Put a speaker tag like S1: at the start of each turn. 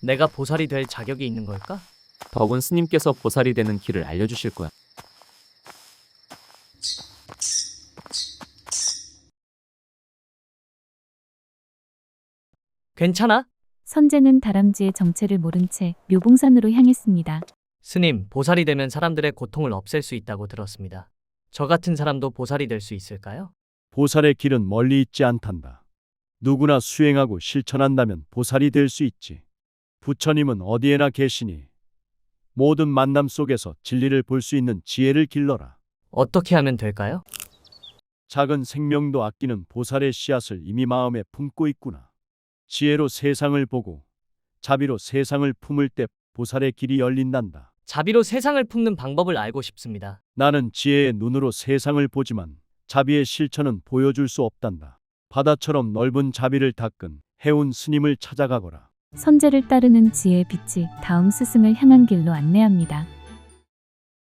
S1: 내가 보살이 될 자격이 있는 걸까?
S2: 덕은 스님께서 보살이 되는 길을 알려주실 거야.
S1: 괜찮아?
S3: 선제는 다람쥐의 정체를 모른 채 묘봉산으로 향했습니다.
S1: 스님, 보살이 되면 사람들의 고통을 없앨 수 있다고 들었습니다. 저 같은 사람도 보살이 될 수 있을까요?
S4: 보살의 길은 멀리 있지 않단다. 누구나 수행하고 실천한다면 보살이 될 수 있지. 부처님은 어디에나 계시니 모든 만남 속에서 진리를 볼 수 있는 지혜를 길러라.
S1: 어떻게 하면 될까요?
S4: 작은 생명도 아끼는 보살의 씨앗을 이미 마음에 품고 있구나. 지혜로 세상을 보고 자비로 세상을 품을 때 보살의 길이 열린단다.
S1: 자비로 세상을 품는 방법을 알고 싶습니다.
S4: 나는 지혜의 눈으로 세상을 보지만 자비의 실천은 보여줄 수 없단다. 바다처럼 넓은 자비를 닦은 해운 스님을 찾아가거라.
S3: 선제를 따르는 지혜의 빛이 다음 스승을 향한 길로 안내합니다.